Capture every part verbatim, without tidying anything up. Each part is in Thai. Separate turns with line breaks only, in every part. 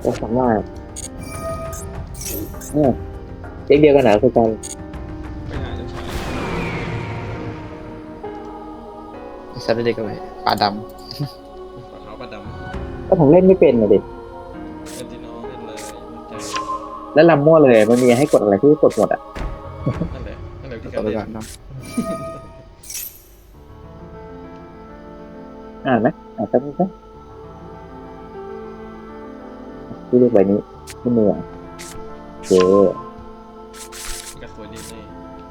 ก็สามารถเนี่ยเด็กเดียวกันหนาคือกัน
ไม่น่าจะใช่
ซับเด็กกันไปปลาด
ปลาขาวปลาดำ
ก็ผมเล่นไม่เป็นนะเด็ก
เอนจินอลเล่นเลยมั่นใจ
แล้วลำมั่วเลยมันมีให้กดอะไรที่กดหมดอ่ะ
นั่นแหละนั่นแหละที่
ำ
กา
ต่อ
ร
ไป
เล่น
ก่อนเนาะ
อ่านไหมอ่านแป๊บนึงนะที่เรียกใบนี้ที่มืออ่ะเจ
กระสวยดีนี่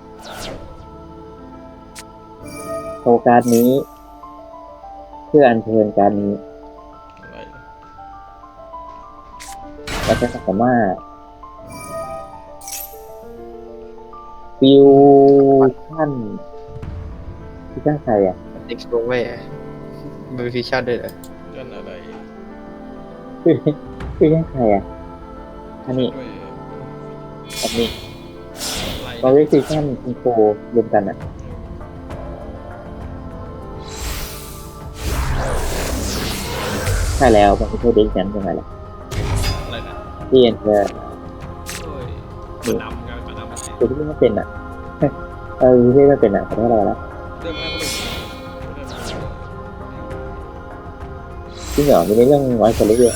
โชว์การ์ดนี้ เพื่ออัญเชิญการดนี้
อะไร
เราจะสามารถฟิวชั่นฟิวชั่นใครอ่ะ
เด็กลงไว้มันเป็นฟิชชั่นด้วยเหรอ
กันอะไร
ฟิวฟิวชั่นใครอ่ะอันนี้
ด้วย
อันนี้
อะไร
เราเรียกฟิวชั่นคุณโครวมกันอ่ะใช่แล้วมันไม่ใช่เด็กนั้นยังไงล่ะ
อะไรนะ
ที่เอ็นเตอร์
โอ้ยปลาดำกันปลาดำอะไร
คือที่ไม่เป็นอ่ะ เออที่ไม่เป็นอ่ะขอโทษเราละ
เรื่องมากก็เลยเรื่องมาก
จริงเหรอมีในเรื่องไว้คนเล็กด้วย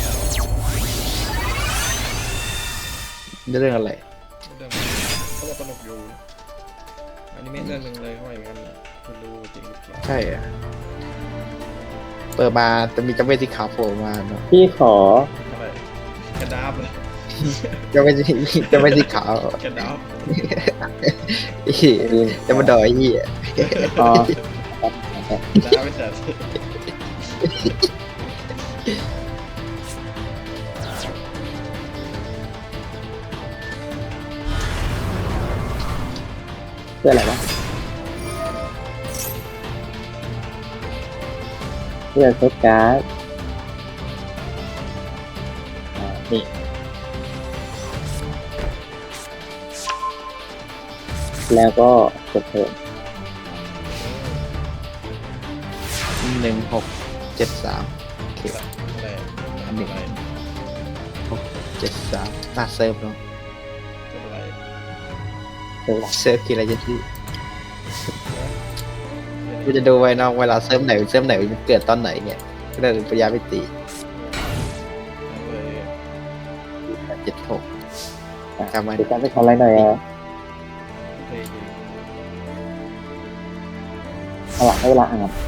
เรื่องอะไร
เรื่องเขาบอกสนุกอยู่อันนี้ไม่เรื่องหนึ่งเลยเขาว่าอย่างนั้นไม่รู้จริงหรือเปล่า
ใช่อะเปิดมาจะมีเจ้าเวทที่ขาวโผล่มาเนาะ
พี่ขอ
อะไรกระดาบเลย
เจ้าเวทที่เจ้าเวทที่ขาว
กระดาบ
อีจะมาดอยยี่
อ๋อก
ระดาบไม่จัด
เพื่ออะไรวะเพื่อเซตการ์ดอ่านี่แล้วก็กดเพิ่ม
หนึ่งหกเจ็ดสามโอเค
อะไร
อันหนึ่ง
อะไร
หกเจ็ดสามน่าเซิร์ฟเนาะ
อะไร
เพิ่มหลัก
เซิร์ฟกี่อะไรจะที่กูจะดูไว้เนอกเวลาเซิร์ฟไหนเซิร์ฟไหนมันเกิดตอนไหนเนี่ยก็ได้ปัญญาไปตี
เลย
เจ็ดหก จำไว้
เดี๋ยวการไปทำอะไรหน่อยอ่ะ
เพลง
เอาหลักให้เวลาอ่าน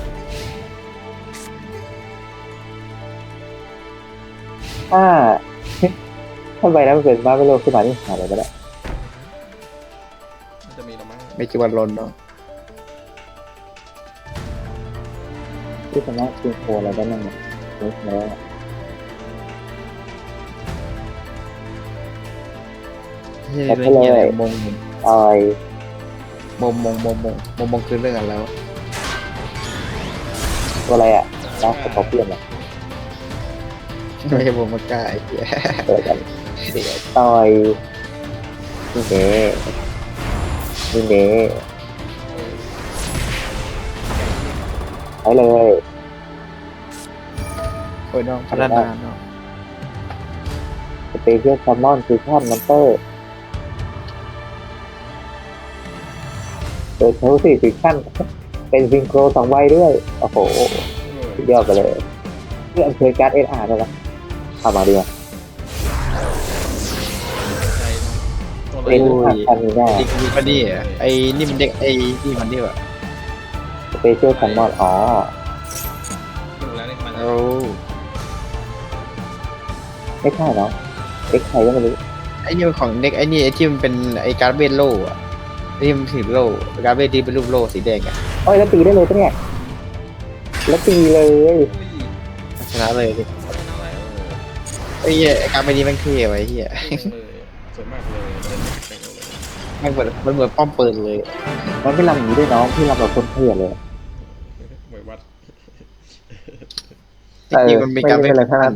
ถ้า ถ้าใบนั้นมันเป็นบ้าไม่โลขึ้นมาที่หาอะไรก็ได้
มันจะมีละมั้ง
ไม่คิดว่าลนเนาะ
ที่สามารถชิงโคอะไรได้บ้างเนี่ยนี่มาแล้ว
ไม่ใช่เรื่องเงี้ยมง
ออย
มงมงมงมงมงมงคือเรื่องอะไรวะ
ตัวอะไรอ่ะดาร์คสกอร์เปียนอ่ะ
ไม่ใช่มงมันกล้าไอ้เหี้ย
เกิดกันต่อยนี่เด้นี่เด้ไปเลย
โอ้ยน้องพัฒนาเนาะ
สเปเชียลซัมมอนฟิวชั่นมอนเตอร์โดยใช้สี่ฟิวชั่นเป็นซิงโครสองใบด้วย โอ้โหสุดยอดไปเลยเพื่ออัญเชิญการ์ดเอสอาร์ได้ไหมเอามาดีกว่า
ใจตัวอะไร
เป็นผักอันนี้ได้
ไอ้นี่มันนี่อะไอ้นี่มันเด็กไอ้นี่มันนี่วะ
สเปเชียลซัมมอนอ๋อ
ดูแล้วนี่มัน
โอ้
ไม่ใช่เนาะเอ็กใครก็ไม่รู้
ไอ้นี่มันของเด็กไอ้นี่ไอ้ที่มันเป็นไอ้การ์ดเวทโล่อะไอ้ที่มันถือโล่การ์ดเวทที่เป็นรูปโล่สีแดงอะ
โอ้ยแล้วตีได้เลยปะเนี่ยแล้วตีเลย
ชนะเลยดิไอ้เหี้ยไอ้การ์ดเวทนี้มันเท่ไว้เหี้ย
สวยมากเลยเล่นเก่งเลย
มันเหมือนมันเหมือนป้อมปืนเลย
มันไม่ลำอย่างนี้ด้วยน้องพี่ลำแบบคนเถื่อนเลย
เหมือนวัด
จริงๆมันมีการ
ไม่
เว
เป็น
ท
ไรทั้งนั้น